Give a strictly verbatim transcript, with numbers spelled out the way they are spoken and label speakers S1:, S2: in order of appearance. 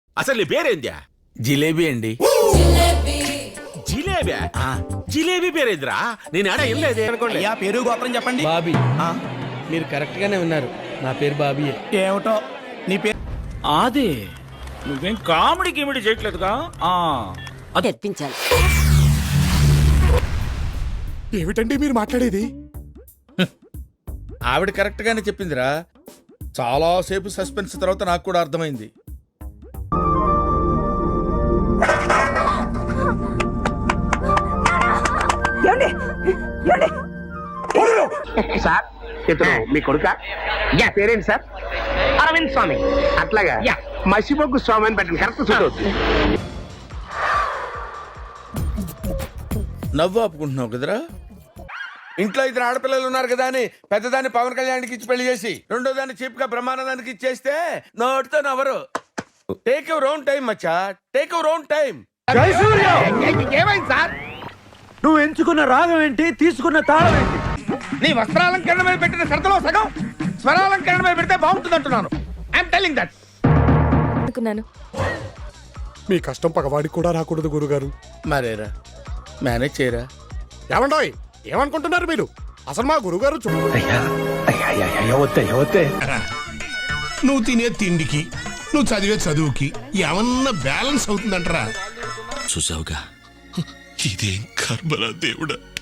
S1: అసలు నీ పేరేంద్యా?
S2: జిలేబీ అండి.
S1: జిలేబీ? జిలేబీ పేరేంద్రా? నేను ఆడ ఏం లేదే అనుకోండి.
S3: అయ్యా పేరు గోత్రం చెప్పండి.
S4: బాబీ. మీరు కరెక్ట్ గానే ఉన్నారు. నా పేరు బాబీయే.
S3: ఏమిటో నీ పేరు?
S2: అదే నువ్వేం కామెడీ గిమిడి చేయట్లేదుగా?
S5: తెప్పించాలి.
S6: ఏమిటండి మీరు మాట్లాడేది?
S7: ఆవిడ కరెక్ట్ గానే చెప్పిందిరా. చాలా సేపు సస్పెన్స్ తర్వాత నాకు కూడా అర్థమైంది.
S8: సార్ ఇతను మీ కొడుక? యా. పేరేంటి సార్? అరవింద్ స్వామి. అట్లాగా? యా. మసిబొగ్గు స్వామి అని పెట్టండి. కరెక్ట్ చూడవచ్చు.
S7: నవ్వు ఆపుకుంటున్నావు కదరా? ఇంట్లో ఇద్దరు ఆడపిల్లలు ఉన్నారు కదా అని పెద్దదాన్ని పవన్ కళ్యాణ్కి ఇచ్చి పెళ్లి చేసి రెండో దాన్ని చీప్ గా బ్రహ్మానందానికి ఇచ్చేస్తే నోటితో నవ్వరు. టేక్ యువర్ ఓన్ టైం మచ్చా, టేక్ యువర్ ఓన్ టైం.
S8: ఏమైంది సార్?
S3: నువ్వు ఎంచుకున్న రాగం ఏంటి, తీసుకున్న తాళం ఏంటి?
S8: నీ వస్త్రాలంకరణ మీద పెట్టిన శ్రద్ధలో సగం స్వరాలంకరణ మీద పెడితే బాగుంటుంది అంటున్నాను. I'm telling that.
S5: అనుకున్నాను.
S6: మీ కష్టం పగవాడికి కూడా రాకూడదు గురుగారు.
S7: మరేరా మేనేజ్ చేయరా.
S6: ఏమండోయ్, ఏమనుకుంటున్నారు మీరు? అసలు మా గురుగారు చూ
S9: నువ్వు తినే తిండికి నువ్వు చదివే చదువుకి ఏమన్నా బ్యాలెన్స్ అవుతుందంటరా?
S10: చూసావుగా, ఇదేం కర్మరా దేవుడా.